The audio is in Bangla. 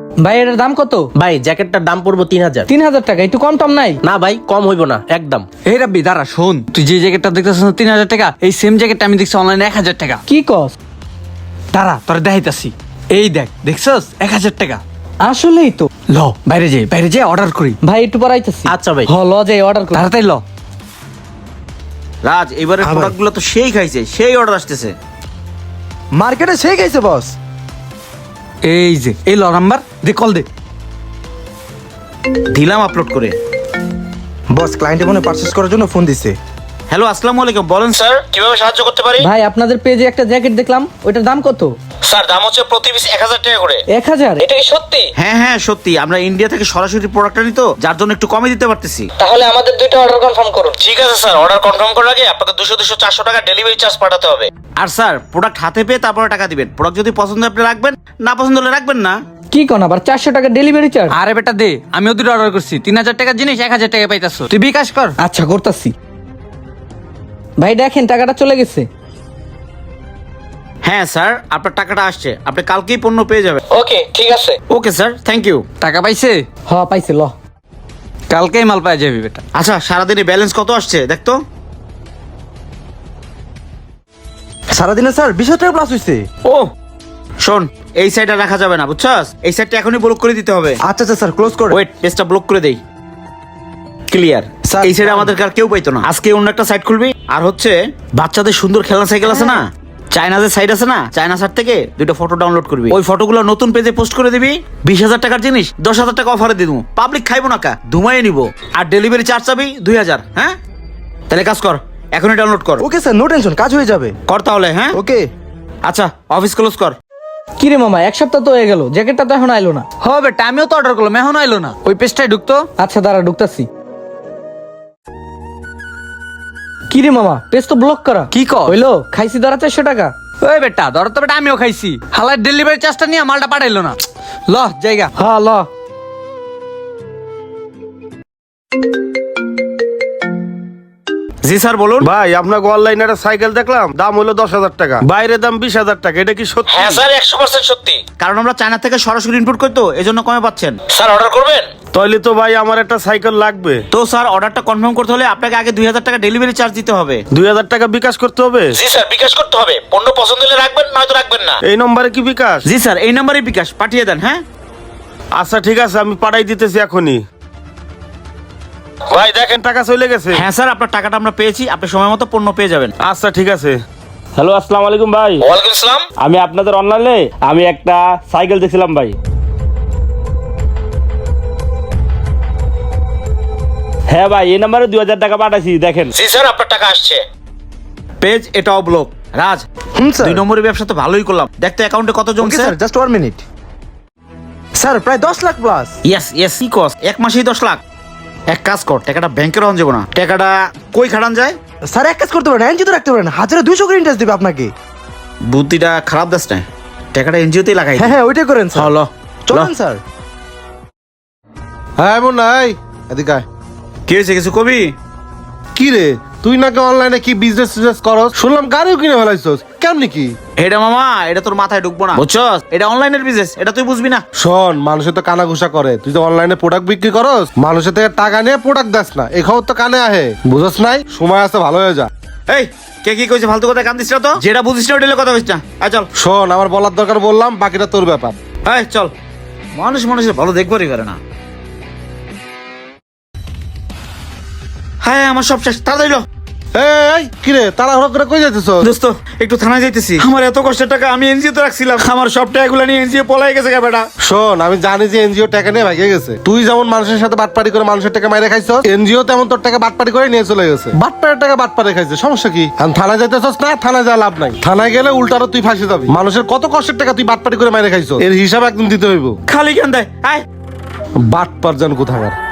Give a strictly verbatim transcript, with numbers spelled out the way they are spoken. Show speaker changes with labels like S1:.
S1: ভাই এটার দাম কত?
S2: ভাই জ্যাকেটটার দাম পড়বো তিন হাজার।
S1: তিন হাজার টাকা, একটু কম টম নাই?
S2: না ভাই, কম হইব না একদম।
S3: এই রাব্বি দাঁড়া, শোন, তুই যে জ্যাকেটটা দেখতেছিস না তিন হাজার টাকা, এই সেম জ্যাকেটটা আমি দেখছি অনলাইনে এক হাজার টাকা।
S1: কি কস?
S3: দাঁড়া তোরা দেখাইতাছি। এই দেখ, দেখছস এক হাজার টাকা।
S1: আসলেই তো।
S3: ল বাইরে যাই, বাইরে যাই অর্ডার করি।
S1: ভাই একটু পরাইতেছি।
S2: আচ্ছা ভাই।
S1: হ ল যাই অর্ডার কর।
S3: তাড়াতাড়ি ল।
S4: রাজ, এবারে প্রোডাক্ট গুলো তো সেই খাইছে, সেই অর্ডার আসতেছে।
S5: মার্কেটে সেই গেছে বস।
S3: এই যে এই ল নাম্বার দে, কল দে।
S4: দিলাম আপলোড করে।
S5: বস ক্লায়েন্টে মনে পারচেজ করার জন্য ফোন দিছে।
S4: হ্যালো, আসসালামু আলাইকুম। বলেন স্যার, কিভাবে সাহায্য করতে পারি?
S1: ভাই আপনাদের পেজে একটা জ্যাকেট দেখলাম, ওইটার দাম কত?
S4: স্যার, দাম হচ্ছে প্রতি পিস এক হাজার টাকা করে।
S1: এক হাজার? এটা কি সত্যি?
S4: হ্যাঁ হ্যাঁ সত্যি, আমরা ইন্ডিয়া থেকে সরাসরি প্রোডাক্টটা নিই তো, যার জন্য একটু কমে দিতে পারতেছি।
S1: তাহলে আমাদের দুইটা অর্ডার কনফার্ম করুন।
S4: ঠিক আছে স্যার, অর্ডার কনফার্ম করার আগে আপনাকে দুশো দুশো চারশো টাকা ডেলিভারি চার্জ পাঠাতে হবে। আর স্যার, প্রোডাক্ট হাতে পেয়ে তারপরে টাকা দিবেন। প্রোডাক্ট যদি পছন্দ হয় আপনি রাখবেন, না পছন্দ হলে রাখবেন না।
S1: কি কোন আবার চারশো টাকা ডেলিভারি চার্জ?
S3: আরে বেটা দে, আমিও দুটো অর্ডার করছি, তিন হাজার টাকার জিনিস এক হাজার টাকা পাইতাছ, তুই বিকাশ কর।
S1: আচ্ছা করতাছি। ভাই দেখেন টাকাটা চলে গেছে।
S4: হ্যাঁ স্যার, আপনার টাকাটা আসছে, আপনি কালকেই পণ্য পেয়ে যাবেন।
S1: ওকে ঠিক আছে।
S4: Okay sir, thank you.
S3: টাকা পাইছে?
S1: হ পাইছে, ল।
S3: কালকেই মাল পাই যাবি বেটা।
S4: আচ্ছা, সারাদিনে ব্যালেন্স কত আসছে দেখতো।
S5: সারাদিনে স্যার বিশ হাজার টাকা প্লাস হইছে।
S4: ও শোন, এই সাইডটা রাখা যাবে না, বুঝছস? এই সাইডটা এখনই ব্লক করে দিতে হবে।
S5: আচ্ছা আচ্ছা স্যার, ক্লোজ করে।
S4: ওয়েট, পেজটা ব্লক করে দেই। ক্লিয়ার।
S5: স্যার,
S4: এই সাইডে
S5: স্যার।
S4: আমাদের আর কেউ পাইতো না। আজকে অন্য একটা সাইড খুলবি। আর হচ্ছে বাচ্চাদের সুন্দর খেলনা সাইকেল আছে না, চায়নাদের সাইড আছে না, চায়না সাইড থেকে দুটো ফটো ডাউনলোড করবি। ওই ফটোগুলো নতুন পেজে পোস্ট করে দিবি। বিশ হাজার টাকার জিনিস দশ হাজার টাকা অফারে দিয়ে দেবো। পাবলিক খাইবো না কা, ধুমাইয়ে নিবো। আর ডেলিভারি চার্জ চাবি দুই হাজার। হ্যাঁ, তাহলে কাজ কর, এখনই ডাউনলোড কর।
S5: ওকে স্যার, নো টেনশন, কাজ হয়ে যাবে।
S4: কর তাহলে। হ্যাঁ
S5: ওকে।
S4: আচ্ছা, অফিস ক্লোজ কর।
S1: কি রে মামা, এক সপ্তাহ তো হয়ে গেল, জ্যাকেটটা তো এখন আইলো না।
S3: হ বেটা, আমিও তো অর্ডার করলাম, এখন আইলো না। ওই পেজটাই ঢুকতো।
S1: আচ্ছা দাঁড়া, ঢুকতাছি। কি রে মামা, পেজ তো ব্লক করা।
S3: কি কর?
S1: হইলো, খাইছি ধরা চারশো টাকা।
S3: ওই বেটা ধর তো বেটা, আমিও খাইছি। হালার ডেলিভারি চার্জটা নিয়ে মালটা পাঠাইলো না। ল জায়গা।
S1: হ্যাঁ ল।
S4: জি স্যার বলুন।
S6: ভাই আপনাকে অনলাইনে একটা সাইকেল দেখলাম, দাম হলো দশ হাজার টাকা, বাইরে দাম বিশ হাজার টাকা, এটা কি সত্যি?
S4: হ্যাঁ স্যার, একশো পার্সেন্ট সত্যি। কারণ আমরা চায়না থেকে সরাসরি ইনপুট করি তো, এজন্য কমে পাচ্ছেন। স্যার অর্ডার করবেন?
S6: তাইলে তো ভাই আমার একটা সাইকেল লাগবে।
S4: তো স্যার, অর্ডারটা কনফার্ম করতে হলে আপনাকে আগে দুই হাজার টাকা ডেলিভারি চার্জ দিতে হবে।
S6: দুই হাজার টাকা বিকাশ করতে হবে?
S4: জি স্যার, বিকাশ করতে হবে। পণ্য পছন্দ হলে রাখবেন, নয়তো রাখবেন না।
S6: এই নম্বরে কি বিকাশ?
S4: জি স্যার, এই নাম্বারে বিকাশ পাঠিয়ে দেন। হ্যাঁ
S6: আচ্ছা ঠিক আছে, আমি পাঠাই দিতেছি এখনই। ভাই দেখেন টাকা চলে গেছে।
S4: হ্যাঁ স্যার, আপনার টাকাটা আমরা পেয়েছি, আপনি সময় মতো পণ্য পেয়ে যাবেন।
S6: আচ্ছা ঠিক আছে। হ্যালো, আসসালামু আলাইকুম ভাই।
S4: ওয়ালাইকুম আসসালাম।
S6: আমি আপনাদের অনলাইনে আমি একটা সাইকেল দেখছিলাম ভাই। হ্যাঁ ভাই, এই নম্বরে দুই হাজার টাকা পাঠাইছি, দেখেন।
S4: জি স্যার, আপনার টাকা আসছে। পেজ এটাও ব্লক। রাজ,
S5: হুম স্যার।
S4: দুই নম্বরের ব্যবসা তো ভালোই করলাম। দেখতে অ্যাকাউন্টে কত
S5: ওকে
S4: জমছে।
S5: Sir, just one minute. Sir প্রায় দশ লাখ প্লাস।
S4: ইয়েস ইয়েস, কি কস, এক মাসেই দশ লাখ। এক কাজ কর, টাকাটা ব্যাংকে রন যাবো না, টাকাটা কই খাটান যায়?
S5: স্যার এক কাজ করতে পারেন, এনজিও তো রাখতে পারেন, হাজারে দুইশো করে ইন্টারেস্ট দেবে আপনাকে।
S4: বুদ্ধিটা খারাপ দাস না, টাকাটা এনজিওতেই লাগাই।
S5: হ্যাঁ হ্যাঁ, ওইটাই করেন স্যার।
S4: হলো
S5: চলেন স্যার।
S6: হ্যাঁ এমন নাই, এদিকে আয়।
S4: কি হয়েছে, কিছু কবি?
S6: কি রে, তুই নাকি অনলাইনে কি বিজনেস টিজনেস করস, শুনলাম গাড়িও কিনে ফেলাইছস, কেমনি কি?
S4: এটা মামা, এটা তোর মাথায় ঢুকবো না, বুঝছস? এটা অনলাইনের বিজনেস, এটা তুই বুঝবি না।
S6: শোন, মানুষের তো কানা ঘুষা করে, তুই তো অনলাইনে প্রোডাক্ট বিক্রি করস, মানুষের থেকে টাকা নিয়ে প্রোডাক্ট দাস না, এই খবর তো কানে আহে, বুঝস নাই? সময় আছে, ভালো হয়ে যা।
S4: এই কে কি কইছে, ফালতু কথা কান দিস না তো। যেটা বুঝিস না ওইটা কথা বলিস না। আয় চল।
S6: শোন, আমার বলার দরকার বললাম, বাকিটা তোর ব্যাপার।
S4: এই চল। মানুষ মানুষের ভালো দেখবারই পারে না। হ্যাঁ, আমার সব শেষ, তাড়াতাড়ি লো।
S6: এই কিরে, তাড়াহুড়ো করে কই যাইতেছ?
S4: দোস্ত, একটু থানায় যাইতেছি। আমার এত কষ্টের টাকা আমি এনজিও তে রাখছিলাম, আমার সব টাকাগুলো নিয়ে এনজিও পলাই গেছে গা বেটা।
S6: শোন, আমি জানি যে এনজিও টাকা নিয়ে ভাগে গেছে। তুই যেমন মানুষের সাথে বাটপারি করে মানুষের টাকা মাইরে খাইছ, এনজিও তেমন তোর টাকা বাটপারি করে নিয়ে চলে গেছে। বাটপারের টাকা বাটপারে খাইছে, সমস্যা কি? এখন থানায় যাইতেছস না, থানায় যা লাভ নাই। থানায় গেলে উল্টারও তুই ফাঁসে যাবি। মানুষের কত কষ্টের টাকা তুই বাটপারি করে মাইরে খাইছ, এর হিসাব একদম দিতে হইব।
S4: খালি কেন দেয়? আয়।
S6: বাটপার জান কোথাকার।